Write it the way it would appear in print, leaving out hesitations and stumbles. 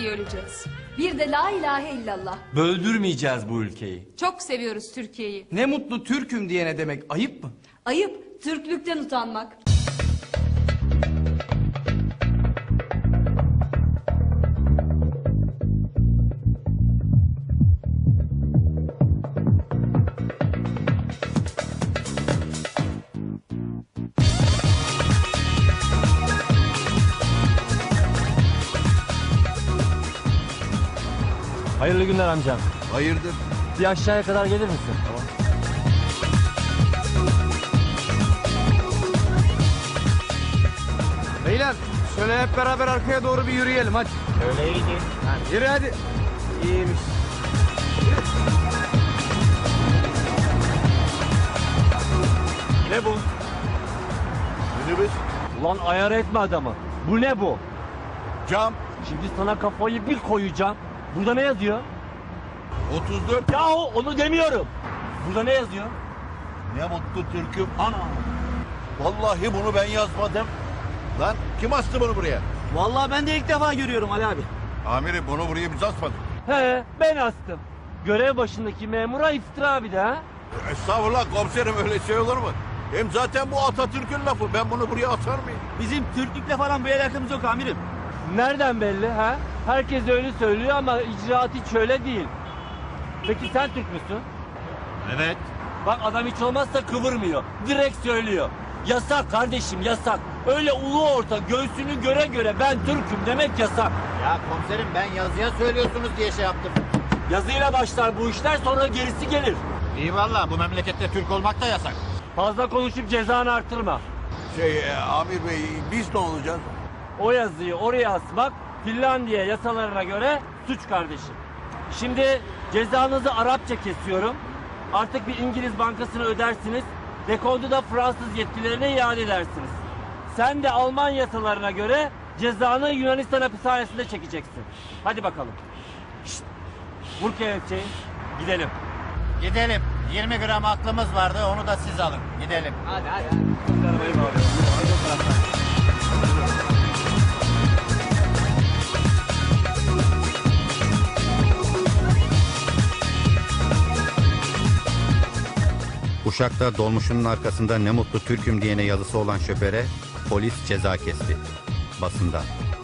diye öleceğiz. Bir de la ilahe illallah. Böldürmeyeceğiz bu ülkeyi. Çok seviyoruz Türkiye'yi. Ne mutlu Türk'üm diyene demek ayıp mı? Ayıp, Türklükten utanmak. Hayırlı günler amcam. Hayırdır? Bir aşağıya kadar gelir misin? Tamam. Beyler şöyle hep beraber arkaya doğru bir yürüyelim hadi. Öyle iyiydi. Yürü hadi. İyiymiş. Ne bu? Minibüs, Ulan ayar etme adamı. Bu ne bu? cam, Şimdi sana kafayı bir koyacağım. Burada ne yazıyor? 34. Yahu onu demiyorum. Burada ne yazıyor? Ne mutlu Türk'üm. Ana. Vallahi bunu ben yazmadım. Lan kim astı bunu buraya? Vallahi ben de ilk defa görüyorum Ali abi. Amirim bunu buraya biz asmadık. He, ben astım. Görev başındaki memura iftira bir de ha. Estağfurullah komiserim, öyle şey olur mu? Hem zaten bu Atatürk'ün lafı. Ben bunu buraya atar mıyım? Bizim Türklükle falan bir alakamız yok amirim. Nereden belli ha? Herkes öyle söylüyor ama icraat hiç öyle değil. Peki sen Türk müsün? Evet. Bak adam hiç olmazsa kıvırmıyor. Direkt söylüyor. Yasak kardeşim yasak. Öyle ulu orta göğsünü göre göre ben Türk'üm demek yasak. Ya komiserim ben yazıya söylüyorsunuz diye şey yaptım. Yazıyla başlar bu işler sonra gerisi gelir. İyi valla bu memlekette Türk olmak da yasak. Fazla konuşup cezanı artırma. Amir Bey, biz ne olacağız? O yazıyı oraya asmak Finlandiya yasalarına göre suç kardeşim. Şimdi cezanızı Arapça kesiyorum. Artık bir İngiliz bankasına ödersiniz. Dekontu da Fransız yetkililerine iade edersiniz. Sen de Alman yasalarına göre cezanı Yunanistan hapishanesinde çekeceksin. Hadi bakalım. Şşt. Vur kelepçeyi. Gidelim. Gidelim. 20 gram aklımız vardı onu da siz alın. Gidelim. Hadi. Arabayı bağlıyorum. Uşak'ta dolmuşunun arkasında ne mutlu Türk'üm diyene yazısı olan şoföre polis ceza kesti. Basında.